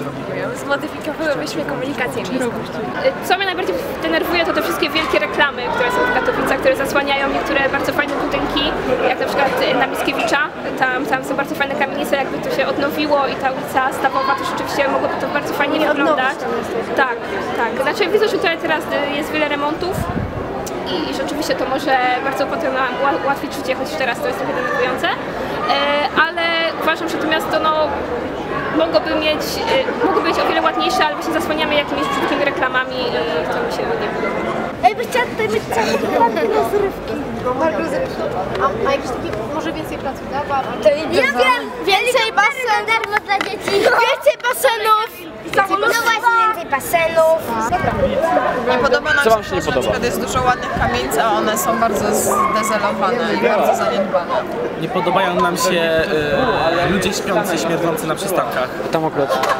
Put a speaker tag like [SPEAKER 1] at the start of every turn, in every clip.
[SPEAKER 1] Zmodyfikowałybyśmy komunikację miejską. Co mnie najbardziej denerwuje, to te wszystkie wielkie reklamy, które są w Katowicach, które zasłaniają niektóre bardzo fajne budynki, jak na przykład na Mickiewicza. Tam są bardzo fajne kamienice, jakby to się odnowiło i ta ulica Stawowa to rzeczywiście mogłoby to bardzo fajnie wyglądać. Tak, tak. Znaczy widzę, że tutaj teraz jest wiele remontów i rzeczywiście to może bardzo potem nam ułatwić życie, choć teraz to jest trochę denerwujące. Ale uważam, że to miasto mogłoby być o wiele ładniejsze, ale właśnie zasłaniamy jakimiś brzydkimi reklamami i to mi się nie podoba.
[SPEAKER 2] Ej, by chciała tutaj być rozrywki.
[SPEAKER 3] A jakiś taki, może więcej placu zabaw?
[SPEAKER 2] Ja wiem! Więcej basenów! Darmo dla dzieci! Więcej basenów! No właśnie, więcej basenów!
[SPEAKER 4] Nie podoba nam się to, że na przykład jest dużo ładnych kamienic, a one są bardzo zdezelowane i bardzo zaniedbane.
[SPEAKER 5] Nie podobają nam się ludzie śpiący, śmierdzący na przystankach. Tam akurat.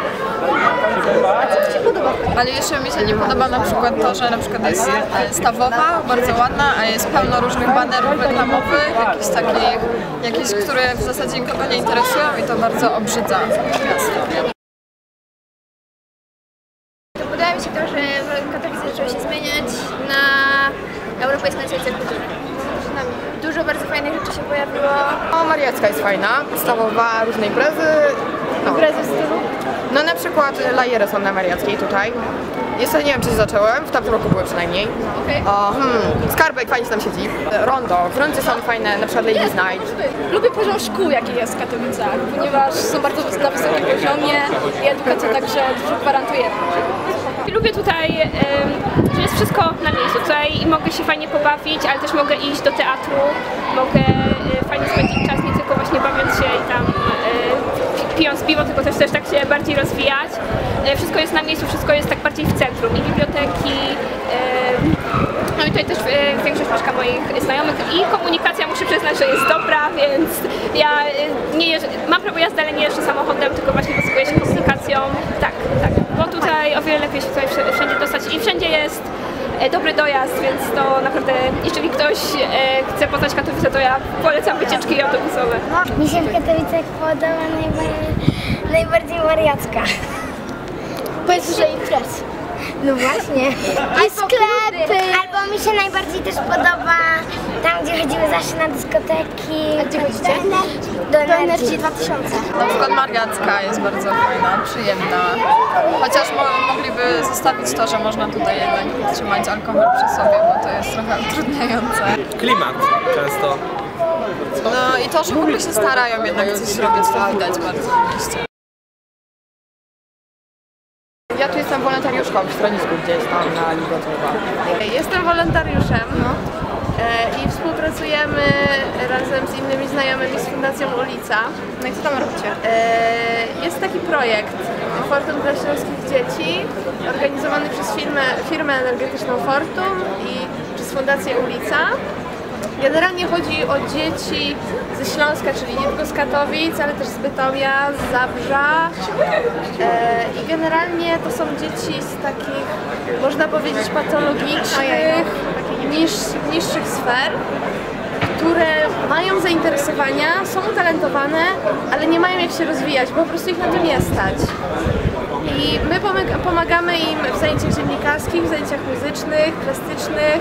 [SPEAKER 4] Ale jeszcze mi się nie podoba na przykład to, że na przykład jest Stawowa, bardzo ładna, a jest pełno różnych banerów reklamowych, jakichś, które w zasadzie nikogo nie interesują i to bardzo obrzydza miasto.
[SPEAKER 2] Podoba mi się to, że Katowice zaczęły się zmieniać na europejską stolice kultury. Dużo bardzo fajnych rzeczy się pojawiło.
[SPEAKER 3] No, Mariacka jest fajna, podstawowa, różne imprezy. No.
[SPEAKER 2] Imprezy w stylu?
[SPEAKER 3] No na przykład lajery są na Mariackiej tutaj. Jeszcze nie wiem, czy zacząłem, w tamtym roku były przynajmniej. Skarbek fajnie się tam siedzi. Rondo, w rondzie są fajne, na przykład Ladies Night.
[SPEAKER 1] Lubię poziom szkół, jaki jest w Katowicach, ponieważ są bardzo na wysokim poziomie i edukacja także dużo gwarantuje. Lubię tutaj, że jest wszystko na miejscu. Tutaj mogę się fajnie pobawić, ale też mogę iść do teatru, mogę fajnie spędzić czas, nie tylko właśnie bawiąc się i tam pijąc piwo, tylko też tak się bardziej rozwijać. Wszystko jest na miejscu, wszystko jest tak bardziej w centrum i biblioteki. No i tutaj też większość mieszka moich znajomych i komunikacja, muszę przyznać, że jest dobra, więc ja nie mam prawo jazdy, ale nie jeżdżę samochodem, tylko właśnie posługuję się komunikacją. Tak, tak, bo tutaj o wiele lepiej się tutaj wszędzie dostać i wszędzie jest dobry dojazd, więc to naprawdę, jeżeli ktoś chce poznać Katowice, to ja polecam wycieczki autobusowe.
[SPEAKER 2] Mi się w Katowicach podoba najbardziej Mariacka.
[SPEAKER 1] Powiedz, że imprez.
[SPEAKER 2] No właśnie. I sklepy. Albo mi się najbardziej też podoba tam, gdzie chodzimy zawsze na dyskoteki.
[SPEAKER 1] A gdzie chodzicie?
[SPEAKER 2] Do Energii 2000.
[SPEAKER 4] Na przykład Mariacka jest bardzo fajna, przyjemna. Chociaż mogliby zostawić to, że można tutaj jednak trzymać alkohol przy sobie, bo to jest trochę utrudniające.
[SPEAKER 5] Klimat często.
[SPEAKER 4] No i to, że w ogóle się starają jednak coś robić, to widać bardzo w mieście.
[SPEAKER 3] Ja tu jestem wolontariuszką w schronisku gdzieś tam na Ligotowa.
[SPEAKER 6] Jestem wolontariuszem i współpracujemy razem z innymi znajomymi z Fundacją Ulica.
[SPEAKER 3] No i co tam robicie?
[SPEAKER 6] Jest taki projekt Fortum dla śląskich dzieci, organizowany przez firmę energetyczną Fortum i przez Fundację Ulica. Generalnie chodzi o dzieci ze Śląska, czyli nie tylko z Katowic, ale też z Bytomia, z Zabrza. I generalnie to są dzieci z takich, można powiedzieć, patologicznych, niższych sfer, które mają zainteresowania, są utalentowane, ale nie mają jak się rozwijać, bo po prostu ich na to nie stać. I my pomagamy im w zajęciach dziennikarskich, w zajęciach muzycznych, plastycznych,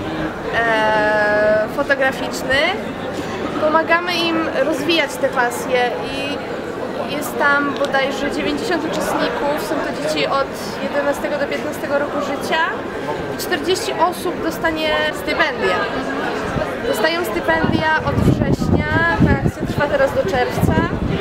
[SPEAKER 6] fotograficznych. Pomagamy im rozwijać te pasje i jest tam bodajże 90 uczestników, są to dzieci od 11 do 15 roku życia i 40 osób dostanie stypendia. Dostają stypendia od września, ta akcja trwa teraz do czerwca.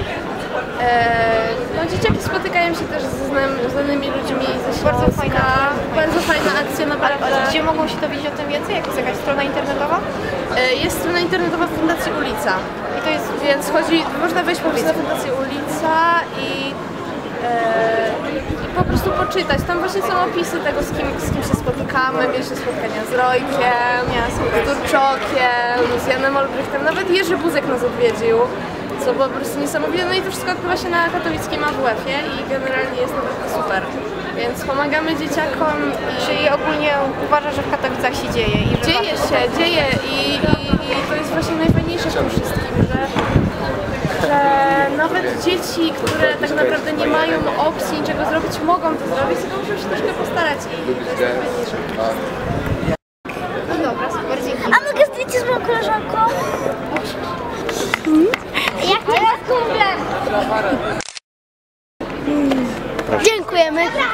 [SPEAKER 6] No, dzieciaki spotykają się też ze znanymi ludźmi ze Śląska. Bardzo fajna akcja, naprawdę.
[SPEAKER 3] Ale gdzie mogą się dowiedzieć o tym więcej? Jak jest jakaś strona internetowa?
[SPEAKER 6] Jest strona internetowa Fundacji Ulica. I to jest, więc można wejść po prostu na Fundację Ulica i po prostu poczytać. Tam właśnie są opisy tego, z kim się spotykamy. Mieliśmy spotkania z Rojkiem, z Durczokiem, z Janem Olbrychtem, nawet Jerzy Buzek nas odwiedził. Co było po prostu niesamowite, no i to wszystko odbywa się na katowickim AWF-ie i generalnie jest naprawdę super. Więc pomagamy dzieciakom i...
[SPEAKER 3] Czyli ogólnie uważasz, że w Katowicach się dzieje?
[SPEAKER 6] Dzieje i to jest właśnie najfajniejsze w tym wszystkim, że że nawet dzieci, które tak naprawdę nie mają opcji niczego zrobić, mogą to zrobić, tylko muszą się troszkę postarać i to jest najważniejsze. No dobra, super, dzięki.
[SPEAKER 7] A mogę zdjęcie z moją koleżanką? Jak cię was kumplem? Dziękujemy.